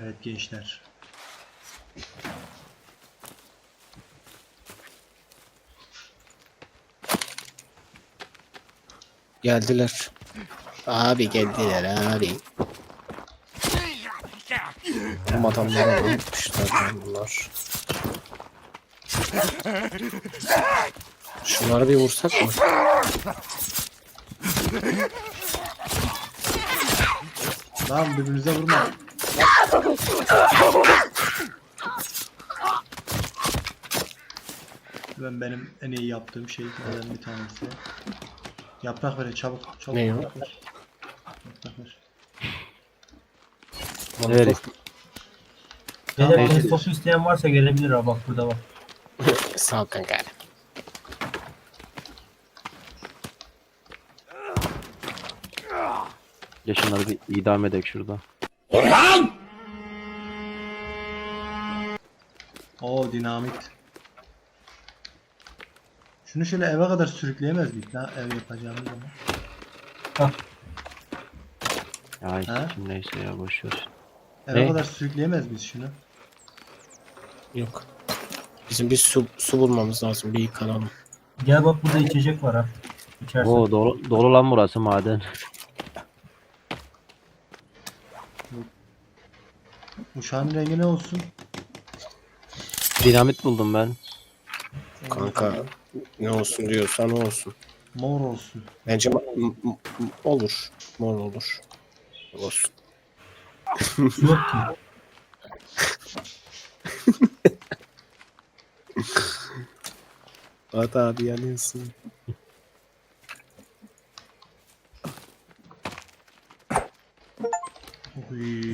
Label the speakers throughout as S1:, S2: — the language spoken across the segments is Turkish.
S1: Evet gençler.
S2: Geldiler. Abi geldiler abi. Bu adamlara ne yapmışlar lan bunlar? Şunları bir vursak mı?
S1: Lan birbirinize vurma. Benim en iyi yaptığım şeylerden bir tanesi. Yaprak verin çabuk. Çabuk
S2: Ne o?
S1: yaprak ver. Yaprak ver.
S3: Evet.
S1: Tamam,
S4: Beyler
S1: abi.
S4: testosu isteyen varsa gelebilir ha, bak burada bak.
S2: Sağ ol kanka.
S3: Ya şunları bir idam edek şurada.
S1: Oo dinamit. Şunu şöyle eve kadar sürükleyemez miyiz lan ev yapacağımız zaman?
S4: Bak
S3: Ya
S1: Ha?
S3: kim neyse ya boşver.
S1: Eve
S3: Ne?
S1: kadar sürükleyemez miyiz şunu?
S2: Yok. Bizim bir su bulmamız lazım. Bir yıkanalım.
S4: gel bak, burada içecek var ha. İçersin.
S3: Oo dolu lan burası maden.
S1: Uşağın rengi ne olsun?
S3: Dinamit buldum ben.
S2: Kanka ne olsun diyorsan o olsun.
S1: Mor olsun.
S2: Bence olur. Mor olur. Olsun.
S4: Su yok ki.
S2: Hadi abi yanıyorsun.
S1: Uy.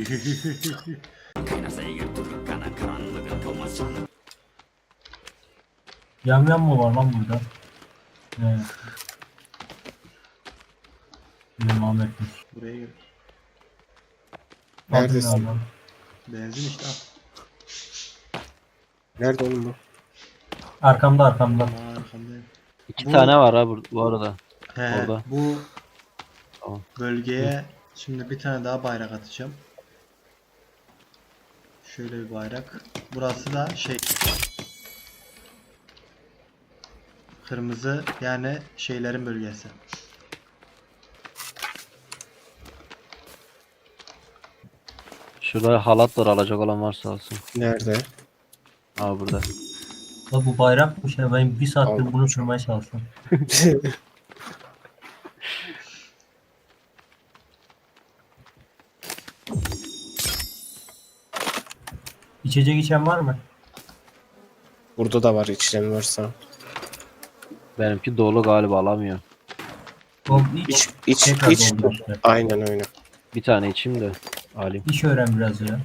S4: Yamyam mı var lan burada? Evet. Benim Ahmet'miş.
S1: Buraya gel.
S2: Neredesin?
S4: Bakın abi.
S1: Benzin işte al.
S2: Nerede oğlum bu?
S4: Arkamda arkamda.
S1: Aa, arkamdayım.
S3: İki
S1: Bu-
S3: tane var ha bu arada.
S1: He,
S3: Orada.
S1: bu
S3: Tamam.
S1: bölgeye şimdi bir tane daha bayrak atacağım. Şöyle bir bayrak. Burası da şey kırmızı, yani şeylerin bölgesi.
S3: Şurada halat var, alacak olan varsa alsın.
S2: Nerede?
S3: Aa burada.
S4: Bak bu bayrakmış ya, ben bir saattir
S2: Al.
S4: bunu sürmeye çalışıyorum. İçecek içen var mı?
S2: Burada da var içten varsa.
S3: Benimki dolu galiba, alamıyor.
S4: O
S2: İç
S4: tekrar
S2: iç.
S4: doldu işte.
S2: Aynen öyle.
S3: Bir tane içeyim de alayım.
S4: İş öğren biraz ya.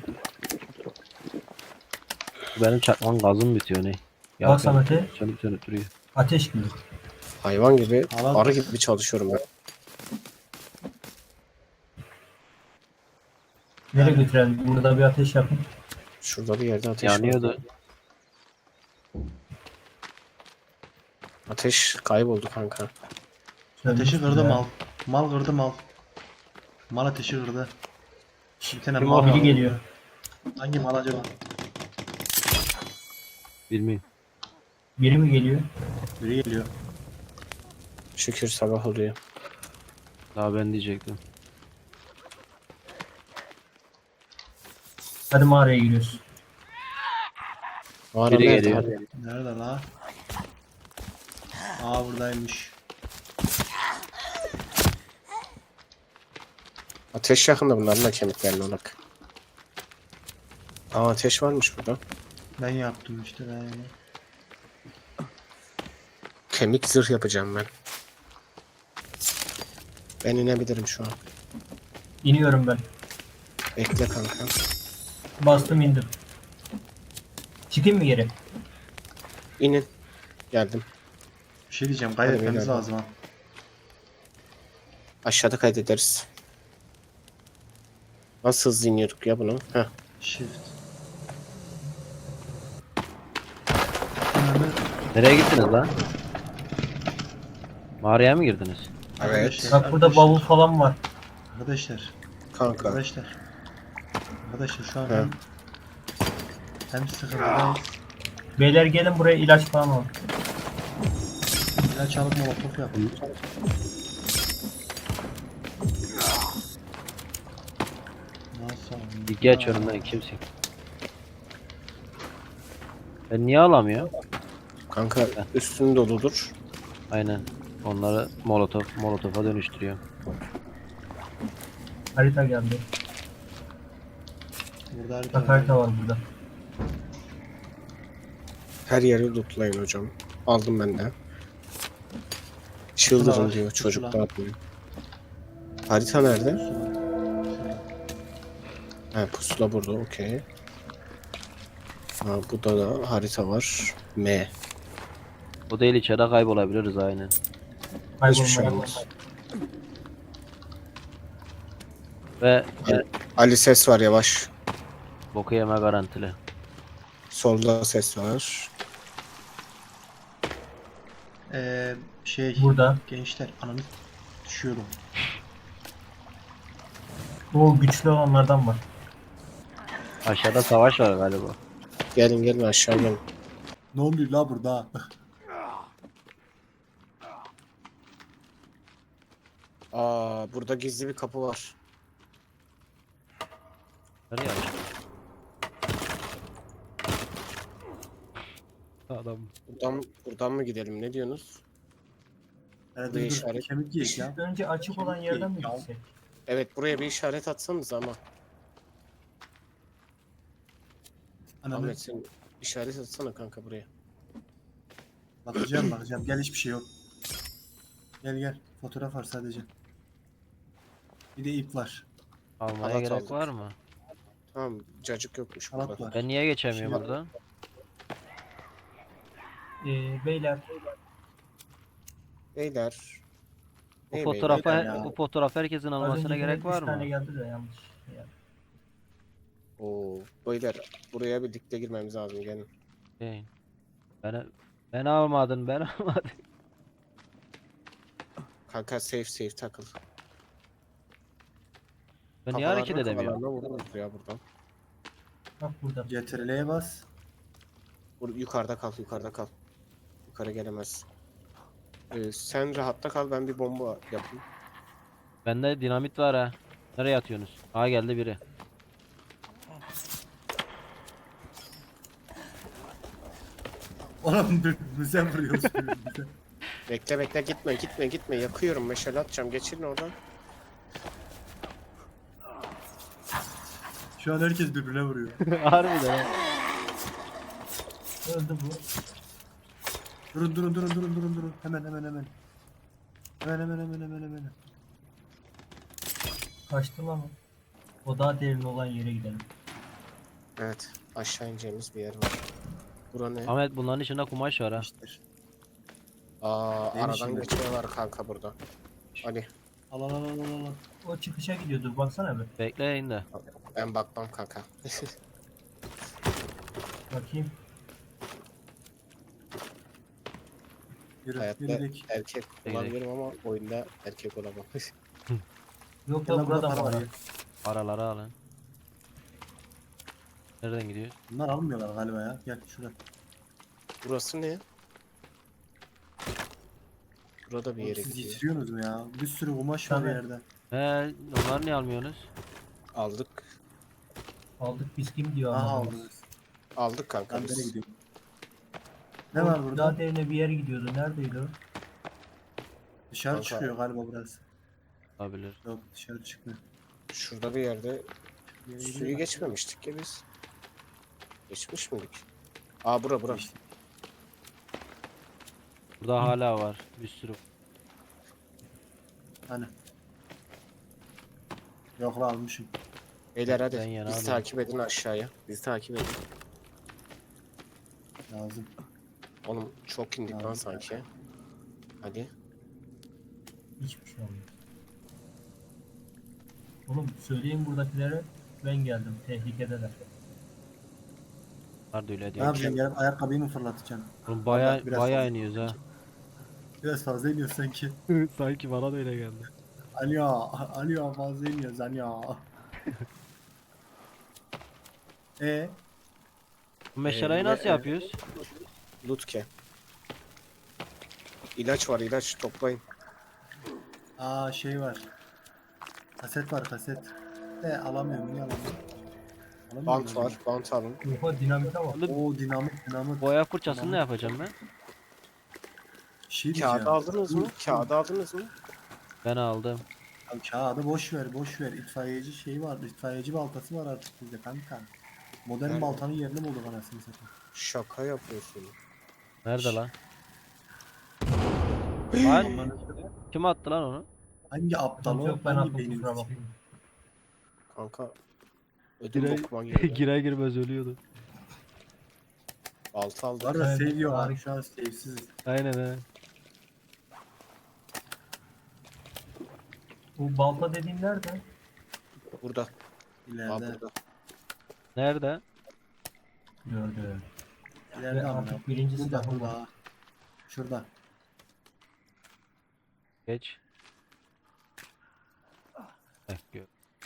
S3: Benim çakmağın gazım bitiyor ne?
S4: Bak Samet'e.
S3: Sönüp duruyor.
S4: Ateş gibi.
S2: Hayvan gibi,
S1: Alan-
S2: arı gibi çalışıyorum ben.
S4: Nereye götürelim? Burada bir ateş yapın.
S2: Şurada bir yerde ateş var.
S3: Yanıyordu.
S2: Ateş kayboldu kanka.
S1: Ateşi kırdı
S4: Ya.
S1: mal. Mal kırdı mal. Mal ateşi kırdı. Bir tane
S3: Kim
S1: mal
S3: o?
S4: Biri
S1: var.
S4: geliyor.
S1: Hangi mal acaba?
S3: Bilmiyorum.
S4: Biri mi geliyor?
S1: Biri geliyor.
S2: Şükür sabah oluyor.
S3: Daha ben diyecektim.
S4: Hadi mağaraya giriyoruz.
S2: Mağara
S3: Biri
S2: nerede
S3: geliyor.
S2: abi?
S1: Nerede la? Aa buradaymış.
S2: Ateş yakında bunların da kemiklerine bak. Aa ateş varmış burada.
S1: Ben yaptım işte ben.
S2: Kemik zırh yapacağım ben. Ben inebilirim şu an.
S4: İniyorum ben.
S2: Bekle kanka.
S4: Bastım indim. Çıkayım mı geri?
S2: İnin. Geldim.
S1: Bir şey diyeceğim,
S2: Hadi
S1: kaydetmemiz
S2: beyler.
S1: lazım ha.
S2: Aşağıda kaydederiz. Nasıl hızlı iniyorduk ya bunu? Heh.
S1: Shift.
S3: Nereye gittiniz lan? Mağaraya mı girdiniz?
S1: Arkadaşlar,
S4: Bak burada bavul falan var.
S1: Arkadaşlar,
S2: Kanka.
S1: arkadaşlar. Arkadaşlar şu an
S2: He.
S1: hem sıkıntıdayız.
S4: Beyler gelin buraya ilaç falan al.
S1: İlaç alıp molotof yapın. Nasıl abi?
S3: Dikki açıyorum ben kimsin? Ben niye alamıyor?
S2: Kanka üstün doludur.
S3: Aynen. Onları molotofa dönüştürüyor.
S4: Harita geldi.
S1: Burada harita
S4: Bak harita var burada.
S2: Her yeri lootlayın hocam. Aldım ben de. Çıldırın
S1: var,
S2: diyor
S1: pusula.
S2: çocuk da atmıyor. Harita nerede? Ha pusula burada okey. Ha burada da harita var. M.
S3: O değil içeride kaybolabiliriz aynen.
S2: Hiçbir şey
S4: Kaybolmaya
S2: olmaz.
S3: Ve
S2: Ali ses var yavaş.
S3: boku yeme garantili.
S2: Solda ses var.
S4: Burada.
S1: Gençler ananı düşüyorum.
S4: O güçlü olanlardan var.
S3: Aşağıda savaş var galiba.
S2: Gelin gelin aşağı gelin.
S1: Ne oluyor la burada?
S2: Aa burada gizli bir kapı var.
S3: Nereye açtın? Adam.
S2: Buradan mı gidelim ne diyorsunuz?
S1: Nerede
S2: Bir
S1: dur?
S2: işaret.
S1: Kemik yiyek ya.
S4: Önce açık olan yerden mi
S1: Ya.
S4: gitsek?
S2: Evet buraya bir işaret atsanız ama.
S1: Ananı
S2: Ahmet sen işaret atsana kanka buraya.
S1: bakacağım. Gel hiçbir şey yok. Gel. Fotoğraf var sadece. Bir de ip var.
S3: Almaya
S2: Halat
S3: gerek
S2: aldık.
S3: var mı?
S2: Tamam cacık yokmuş
S1: Halat
S2: burada.
S1: var.
S3: Ben niye geçemiyorum
S1: Şey-
S3: buradan?
S4: Beyler
S2: Beyler.
S3: Bu
S2: Ne
S3: fotoğrafa
S1: beyler ya?
S3: bu fotoğraf herkesin
S4: az
S3: almasına
S4: önce
S3: gerek
S4: üç
S3: var
S4: tane
S3: mı?
S4: geldi de yanlış. Yani.
S2: Oo, beyler buraya bir dikte girmemiz lazım gelin.
S3: Şey, ben almadın ben almadım.
S2: Kanka safe takıl.
S3: Ben niye hareket
S2: Kafalarına
S3: edemiyorum?
S2: kafalarına vururuz ya buradan.
S4: Bak burada.
S1: CTRL'ye bas.
S2: Yukarıda kal. Yukarı gelemez. Sen rahatta kal ben bir bomba yapayım.
S3: Bende dinamit var ha. Nereye atıyorsunuz? Aa geldi biri.
S1: Oğlum birbirimize vuruyoruz birbirimize.
S2: Bekle gitme yakıyorum meşale atacağım geçirin oradan.
S1: Şu an herkes birbirine vuruyor.
S3: Harbiden ha.
S4: Öldü bu.
S1: Durun. Hemen. Hemen.
S4: Kaçtı lan o. O daha derin olan yere gidelim.
S2: Evet aşağı ineceğimiz bir yer var. Bura ne?
S3: Ahmet bunların içinde kumaş var ha.
S1: İşte.
S2: Aa
S1: Neymiş
S2: aradan
S1: şimdi?
S2: geçme var kanka burada. Hadi
S1: Al.
S4: O çıkışa gidiyordur baksana bir.
S3: Bekleyin de.
S2: ben bakmam kanka.
S4: Bakayım.
S1: Yürü
S2: Hayatta
S1: gidelim.
S2: erkek olabilirim ama oyunda erkek olamam.
S4: Yok
S1: Gel
S4: da
S1: lan burada
S4: burada
S1: para
S4: var.
S1: var
S4: ha.
S1: ya.
S3: Paraları alın. Nereden gidiyor?
S1: Bunlar almıyorlar galiba ya. Gel şuraya.
S2: Burası ne? Burada bir
S1: Oğlum
S2: yere
S1: siz
S2: gidiyor.
S1: yitiriyorsunuz mu ya? Bir sürü kumaş var
S4: Tabii.
S1: yerde.
S3: He, onları niye almıyorsunuz?
S2: Aldık.
S4: Aldık biz kim diyor
S1: Aha
S4: ama.
S1: aldınız.
S2: Aldık kanka
S1: Ben nereye
S2: biz.
S1: gidiyorum? Ne var burada?
S4: Daha derine bir yere gidiyordu. Neredeydi o?
S1: Dışarı
S2: Kanka.
S1: çıkıyor galiba burası.
S3: Olabilir.
S1: Yok dışarı çıkmıyor.
S2: Şurada bir yerde
S1: Bir yere
S2: suyu
S1: gidiyor.
S2: geçmemiştik ya biz. Geçmiş miydik? Aa bura.
S1: İşte.
S3: Burada hala var. Bir sürü.
S1: Hani. Yok lan almışım.
S2: Beyler hadi
S3: Ben yana
S2: bizi
S3: alayım.
S2: takip edin aşağıya. Bizi takip edin.
S1: Lazım.
S2: Oğlum çok indik lan
S1: Tamam.
S2: sanki. Hadi.
S4: Hiçbir şey olmuyor. Oğlum söyleyin buradakilere ben geldim. Tehlikedeler.
S3: Vardı öyle
S1: Ne
S3: diyor.
S1: yapacaksın? Gelip ayakkabıyı mı fırlatacaksın?
S3: Oğlum
S1: Biraz
S3: baya
S1: fazla.
S3: iniyoruz ha.
S1: Biraz fazla iniyorsun sanki.
S3: Sanki bana da öyle geldi.
S1: Alo fazla iniyoruz alo.
S3: Bu meşaleyi nasıl yapıyoruz?
S2: Lutke. İlaç var, ilaç toplayın.
S1: Şey var. Kaset var kaset. Alamıyorum niye alamıyorum? Alamıyorum
S2: Bant
S1: ben.
S2: var, bant alın.
S4: Oha dinamite bak.
S1: Oo dinamit.
S3: Boya fırçasını ne yapacağım ben?
S1: Şey
S2: Kağıdı
S1: diyeceğim.
S2: aldınız mı? Kağıdı aldınız mı?
S3: Ben aldım.
S1: Abi kağıdı boş ver. İtfaiyeci şeyi var. İtfaiyeci baltası var artık bizde kanka. Modern
S2: Nerede?
S1: baltanın yerini bulduk anasını satayım.
S2: Şaka yapıyorsun.
S3: Nerede lan? Lan
S1: Onların-
S3: kim attı lan onu?
S1: Hangi aptal o?
S4: Yok ben
S1: Hangi
S4: attım
S1: beynin
S4: kusura
S1: içi?
S4: bakmayın.
S2: Kanka. Ödüm bokuma girdi.
S3: Girer girmez ölüyordu.
S2: Balta aldı.
S1: Var da
S4: Evet,
S1: seviyor
S4: harika.
S1: abi şu an sevsiz.
S3: Aynen he.
S4: Bu balta dediğin nerede?
S2: Burada. Aa,
S1: İleride.
S2: burada.
S3: Nerede?
S4: Gördüm.
S1: İleride
S4: Ve
S1: ama.
S4: artık birinci
S1: Burada
S4: silahım
S1: burada.
S4: var.
S1: ha. Şurada.
S3: Geç. Gör.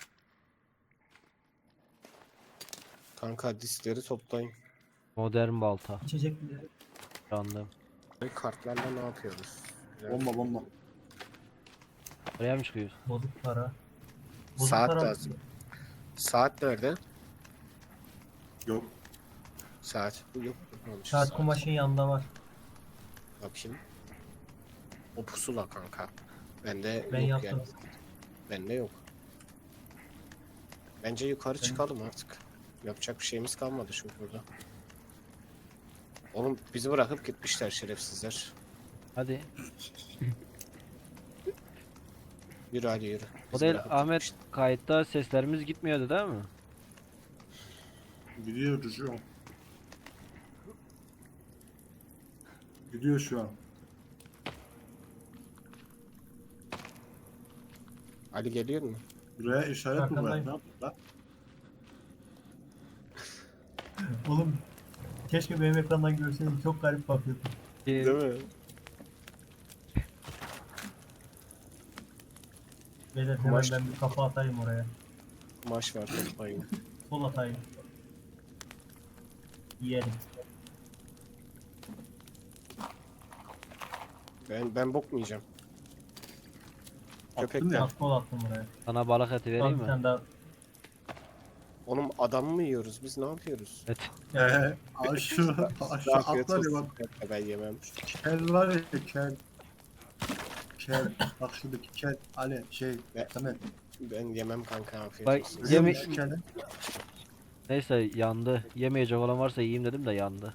S2: Kanka diskleri toplayın.
S3: Modern balta.
S4: İçecekleri.
S3: Sandım.
S2: Kartlarla ne yapıyoruz? Güzel.
S1: Bomba.
S3: Oraya mı çıkıyoruz?
S4: Bozuk para. Bozuk
S2: Saat
S4: para.
S2: lazım. Saat nerede?
S1: Yok.
S2: Saat. Bu yok. Olmamış.
S4: Saat kumaşın yanında var.
S2: Bakayım. O pusula kanka. Bende
S4: Ben
S2: yok
S4: yaptım.
S2: yani. Bende yok. Bence yukarı çıkalım artık. Yapacak bir şeyimiz kalmadı çünkü burada. Oğlum bizi bırakıp gitmişler şerefsizler.
S3: Hadi.
S2: Yürü hadi yürü.
S3: O
S2: Bizi
S3: değil
S2: bırakıp
S3: Ahmet,
S2: gitmişler.
S3: kayıtta seslerimiz gitmiyordu değil mi?
S1: Gidiyor şu an. Gidiyor şu an.
S2: Ali geliyor mu?
S1: Buraya işaret mi var?
S4: Arkandayım.
S1: Ne yaptın lan?
S4: Oğlum keşke benim ekrandan görseydin, çok garip bakıyordum.
S2: mi?
S4: Beyler hemen
S2: Kumaş-
S4: ben bir kafa atayım oraya.
S2: Kumaş var toplayın.
S4: Sol atayım. Yiyelim.
S2: Ben bokmayacağım.
S1: Attın
S2: Köpekler.
S1: ya.
S4: Bak sol attım oraya.
S3: Sana balık eti
S4: Al
S3: vereyim
S4: bir
S3: mi?
S4: tane daha.
S2: Oğlum adam mı yiyoruz? Biz ne yapıyoruz?
S3: Et.
S1: Aşağı
S2: Afiyet
S1: atlar ya
S2: olsun.
S1: bak.
S2: Ben yemem.
S1: Kel var ya kel. Bak şuradaki kel. Ali
S2: Ne?
S1: Samet.
S2: Ben yemem kanka afiyet
S3: Bak,
S2: olsun.
S3: Yeme-
S1: Şu keli.
S3: Neyse yandı. Yemeyecek olan varsa yiyeyim dedim de yandı.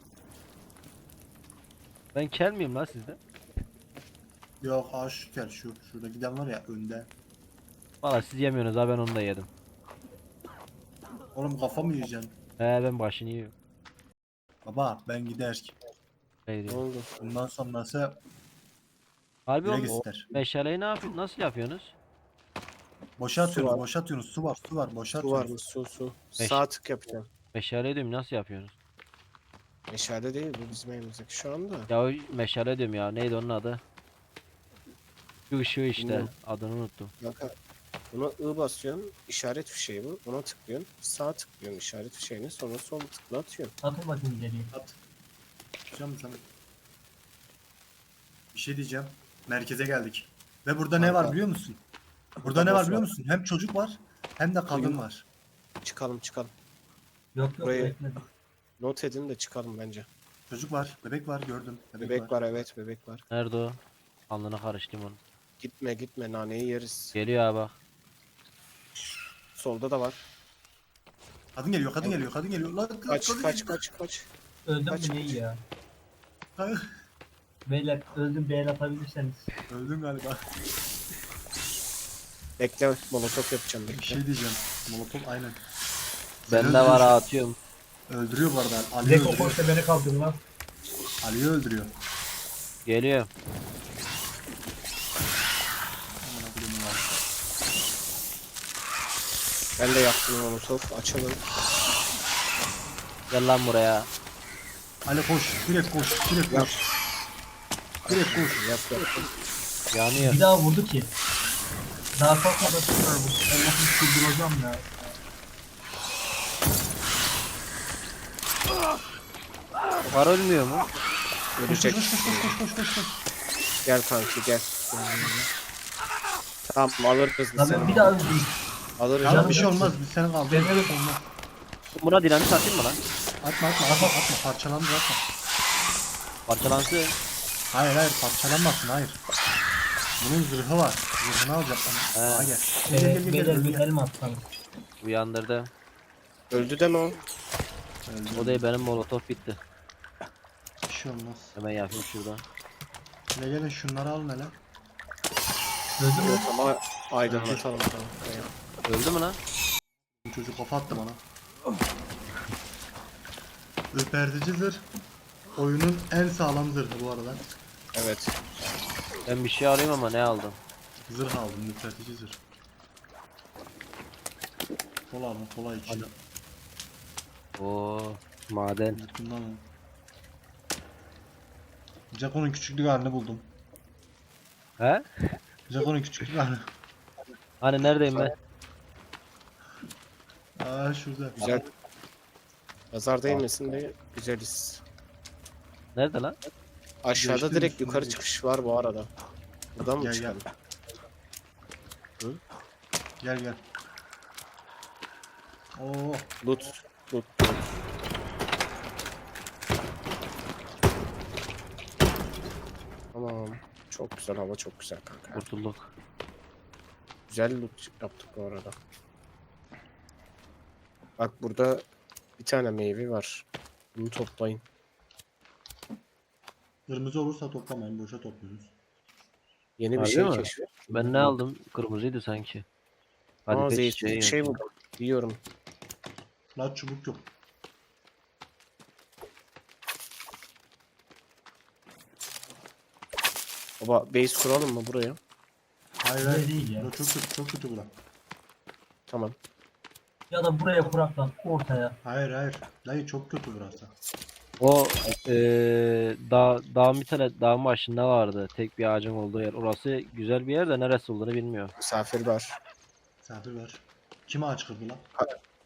S3: Ben kel miyim lan sizde?
S1: Yok şu kel şu. Şurada giden var ya önde.
S3: Valla siz yemiyorsunuz ha, ben onu da yedim.
S1: Oğlum kafa mı yiyeceksin?
S3: Ben başını yiyorum.
S1: Baba ben gider.
S3: Şey
S2: Ne
S3: diyeyim.
S2: oldu?
S1: Bundan sonrası
S3: Harbi
S1: direkt
S3: oğlum, o
S1: ister.
S3: meşaleyi ne yapıyorsun? Nasıl yapıyorsunuz?
S1: Boşa
S2: Su
S1: atıyorsunuz,
S2: var.
S1: boşa atıyorsunuz. Su var, boşa
S2: Su var
S1: atıyorsunuz.
S2: mı? Su.
S3: Beş.
S2: Sağ tık yapacağım.
S3: Meşale diyorum, nasıl yapıyorsunuz?
S2: Meşale değil bu bizim elimizdeki şu anda.
S3: Ya o meşale diyorum ya, neydi onun adı? Şu ışığı işte,
S2: Bilmiyorum.
S3: adını unuttum.
S2: Kanka buna I basıyorsun. İşaret fişeği bu. Ona tıklıyorsun. Sağ tıklıyorsun işaret fişeğini. Sonra sol tıkla atıyorsun.
S4: Atın bakayım ileriye.
S1: At. Hocam sana. Bir şey diyeceğim. Merkeze geldik. Ve burada ne
S2: Kanka.
S1: var biliyor musun? Burada ne var
S2: boss
S1: biliyor
S2: var.
S1: musun? Hem çocuk var hem de kadın
S2: Buyurun.
S1: var.
S2: Çıkalım.
S4: Yok
S2: Buraya-
S4: bekledim.
S2: Not edin de çıkalım bence.
S1: Çocuk var, bebek var gördüm.
S2: Bebek var evet bebek var.
S3: Nerede o? Alnına karıştım onu.
S2: Gitme naneyi yeriz.
S3: Geliyor ha bak.
S2: Solda da var.
S1: Kadın geliyor, kadın geliyor, kadın geliyor. Lan
S2: Kaç
S1: kadın
S2: kaç
S1: geliyor.
S2: kaç.
S4: Öldüm
S2: Kaç,
S4: mü neyi ya?
S1: Ay,
S4: Beyler öldüm, beğen atabilirseniz.
S1: öldün galiba.
S2: Bekle molotof yapacağım
S1: Bir
S2: bekle.
S1: şey diyeceğim. Molotov aynen.
S3: Bende var ha, atıyorum.
S1: Öldürüyor bu arada. Ali'yi
S4: Zeko
S1: öldürüyor.
S4: koşta beni kaldır lan.
S1: Ali'yi öldürüyor.
S3: Geliyor.
S1: Aman Allah'ım ya.
S2: Ben de yaptım molotof. Açalım.
S3: Gel lan buraya.
S1: Ali koş, direkt koş, direkt
S2: Yap.
S1: koş. Direkt koş.
S2: Yap.
S3: Yanıyor.
S4: Bir daha vurdu ki. Daha kalkmadan tutar bu. Allah'ım çıldıracağım ya.
S3: Var ölmüyor mu?
S2: Ölecek. Gel kanki gel. Tamam alırız biz
S4: Lan ben
S2: seni.
S4: bir daha öldüm.
S2: Alırız.
S1: Ya
S4: Canım
S1: bir şey
S4: yok.
S1: olmaz. Biz seni kaldırırız.
S4: Ben öyle-
S1: Olmaz.
S3: Buna dinamit atayım mı lan?
S1: Atma. Parçalandı atma.
S3: Parçalansın.
S1: Hayır parçalanmasın hayır. Bunun zırhı var. Zırhını alacak bana.
S3: He.
S1: Aa gel. Gel.
S4: Beyler bir
S1: Gel.
S4: elma atsanız.
S3: Uyandırdı.
S2: Öldü deme o.
S3: O değil, benim molotof bitti.
S1: Bir şey olmaz.
S3: Hemen yapayım şurada.
S1: Gelin şunları alın hele.
S4: Öldü mü?
S2: Yok ama aydınlatalım. Tamam.
S3: Öldü mü lan?
S1: Bu çocuk kafa attı bana. Ürpertici zırh. Oyunun en sağlam zırhı bu arada.
S2: Evet.
S3: Ben bir şey alayım ama ne aldım?
S1: Zırh aldım, ürpertici zırh. Kola içi.
S3: Oo, maden.
S1: Zıkkımdan aldım. Jaco'nun küçüklük halini buldum.
S3: He?
S1: Jaco'nun küçüklük halini.
S3: Hani neredeyim ben?
S1: Aa şurada.
S2: Güzel. Nazar değmesin de güzeliz.
S3: Nerede lan?
S2: Aşağıda
S1: Geçtim
S2: direkt
S1: üstüne
S2: yukarı
S1: geç.
S2: çıkış var bu arada. Buradan mı
S1: Gel,
S2: çıkalım?
S1: Gel. Oo,
S2: Loot. Tamam. Çok güzel hava çok güzel kanka.
S3: Kurtulduk.
S2: Güzel loot yaptık bu arada. Bak burada bir tane meyve var. Bunu toplayın.
S1: kırmızı olursa toplamayın, boşa topluyoruz.
S2: Yeni bir
S3: Harbi
S2: şey
S3: mi?
S2: keşfet.
S3: Ben ne aldım? Kırmızıydı sanki. Hadi
S2: Aa
S3: pek
S2: zeytin bir şey
S3: yok.
S2: buldum. Yiyorum.
S1: La çubuk yok.
S2: Baba base kuralım mı buraya?
S1: Hayır
S4: Öyle değil ya.
S1: Bura çok kötü bura.
S2: Tamam.
S4: Ya da buraya kurak lan ortaya.
S1: Hayır. Dayı çok kötü burası.
S3: O dağın bir tane dağın başında vardı. Tek bir ağacın olduğu yer. Orası güzel bir yer de neresi olduğunu bilmiyorum.
S2: Misafir var.
S1: Misafir var. Kime aç kırdı lan?
S2: Ha-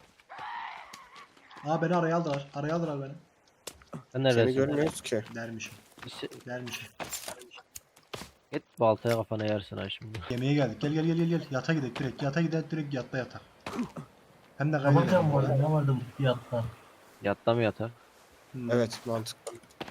S1: Aa beni araya aldılar. Araya aldılar beni.
S3: Sen
S2: Seni
S3: neredesin?
S2: görmüyoruz ki.
S1: Dermişim. Dermişim.
S3: Git baltaya kafana yersin ha şimdi.
S1: Yemeğe geldik. Gel. Yata gidelim direkt. Yata gidelim direkt yatta yatak. Hem de
S4: Kapatacağım bu arada.
S1: kaydedelim.
S4: Ne vardı bu fiyatta?
S3: Yatta mı yatar?
S2: Evet mantıklı.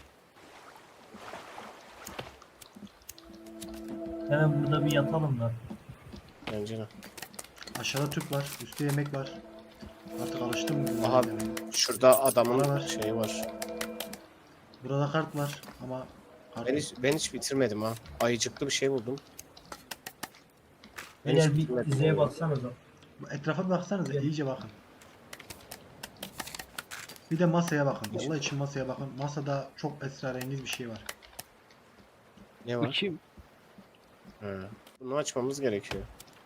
S4: Hemen burada bir yatalım da.
S2: Bence de.
S1: Aşağıda tüp var. Üstte yemek var. Artık alıştım. bu
S2: Aha.
S1: yemeğe.
S2: Şurada
S1: Bana
S2: adamın
S1: ver.
S2: şeyi var.
S1: Burada kart var ama kart
S2: Ben hiç bitirmedim ha. Ayıcıklı bir şey buldum. Ben hiç
S4: Beyler bir
S2: bitirmedim.
S4: dizeye baksanıza.
S1: etrafa bir baksanıza iyice bakın. Bir de masaya bakın. Allah için masaya bakın. Masada çok esrarengiz bir şey var.
S2: Ne
S3: Bu
S2: var?
S3: kim?
S2: Ha. Bunu açmamız gerekiyor.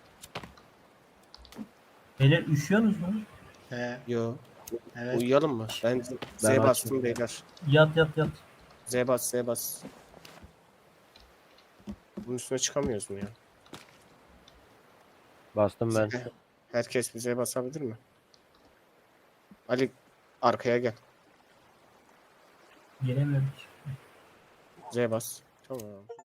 S4: Beyler üşüyorsunuz mu?
S2: Yo.
S1: Evet.
S2: Uyuyalım mı? Ben Z
S3: açtım.
S2: bastım beyler.
S4: Yat.
S2: Z bas. Bunun üstüne çıkamıyoruz mu ya?
S3: Bastım ben.
S2: Herkes bir Z basabilir mi? Ali arkaya gel.
S4: Gelemiyorum.
S2: Z bas. Tamam.